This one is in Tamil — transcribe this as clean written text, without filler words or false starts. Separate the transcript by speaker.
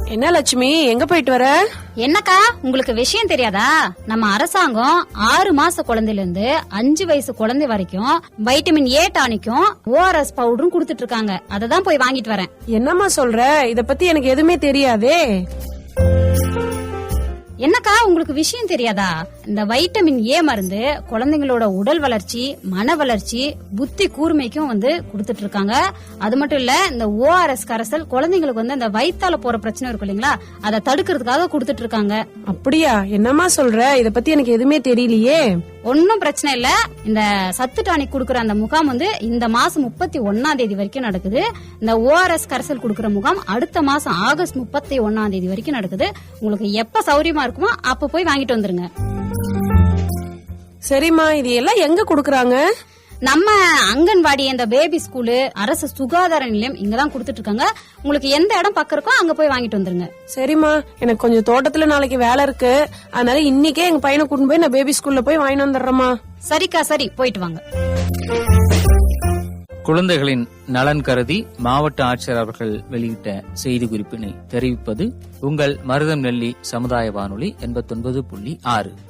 Speaker 1: என்ன லட்சுமி, எங்க போயிட்டு வர?
Speaker 2: என்னக்கா, உங்களுக்கு விஷயம் தெரியாதா? நம்ம அரசாங்கம் 6 மாச குழந்தையில இருந்து 5 வயசு குழந்தை வரைக்கும் வைட்டமின் ஏ டானிக்கும் ORS பவுடரும் குடுத்துட்டு இருக்காங்க. அததான் போய் வாங்கிட்டு வரேன்.
Speaker 1: என்னம்மா சொல்ற? இத பத்தி எனக்கு எதுவுமே தெரியாதே.
Speaker 2: என்னக்கா, உங்களுக்கு விஷயம் தெரியாதா? இந்த வைட்டமின் ஏ மருந்து குழந்தைங்களோட உடல் வளர்ச்சி, மன வளர்ச்சி, புத்தி கூர்மைக்கும் குடுத்துட்டு இருக்காங்க. அது மட்டும் இல்ல, இந்த ORS கரைசல் குழந்தைங்களுக்கு அந்த வயித்தால போற பிரச்சனை இருக்கும் இல்லீங்களா, அதை தடுக்கிறதுக்காக குடுத்துட்டு இருக்காங்க.
Speaker 1: அப்படியா? என்னம்மா சொல்ற? இத பத்தி எனக்கு எதுவுமே தெரியலையே.
Speaker 2: ஒன்னும் பிரச்சனை இல்ல. இந்த சத்து டானிக் குடுக்கற அந்த முகாம் இந்த மாசம் 31ஆம் தேதி வரைக்கும் நடக்குது. இந்த ORS கரைசல் குடுக்கற முகாம் அடுத்த மாசம் ஆகஸ்ட் 31ஆம் தேதி வரைக்கும் நடக்குது. உங்களுக்கு எப்ப சௌரியமா இருக்குமோ அப்ப போய் வாங்கிட்டு வந்துருங்க.
Speaker 1: சரிம்மா, இது எல்லாம் எங்க குடுக்கறாங்க?
Speaker 2: நம்ம அங்கன்வாடி, இந்த பேபி ஸ்கூலு, அரசு சுகாதார நிலையம் இங்கதான் குடுத்துட்டு இருக்காங்க. உங்களுக்கு எந்த இடம் பக்கம் இருக்கோ அங்க போய் வாங்கிட்டு வந்துருங்க.
Speaker 1: சரிம்மா, எனக்கு கொஞ்சம் தோட்டத்துல நாளைக்கு வேலை இருக்கு. அதனால இன்னைக்கே எங்க பையனை கூட்டிட்டு போய் நான் பேபி ஸ்கூல்ல போய் வாங்கிட்டு வந்துடுறேம்மா.
Speaker 2: சரிக்கா, சரி, போயிட்டு வாங்க.
Speaker 3: குழந்தைகளின் நலன் கருதி மாவட்ட ஆட்சியர் அவர்கள் வெளியிட்ட செய்தி குறிப்பினை தெரிவிப்பது உங்கள் மருதம் நெல்லி சமுதாய வானொலி 89.6.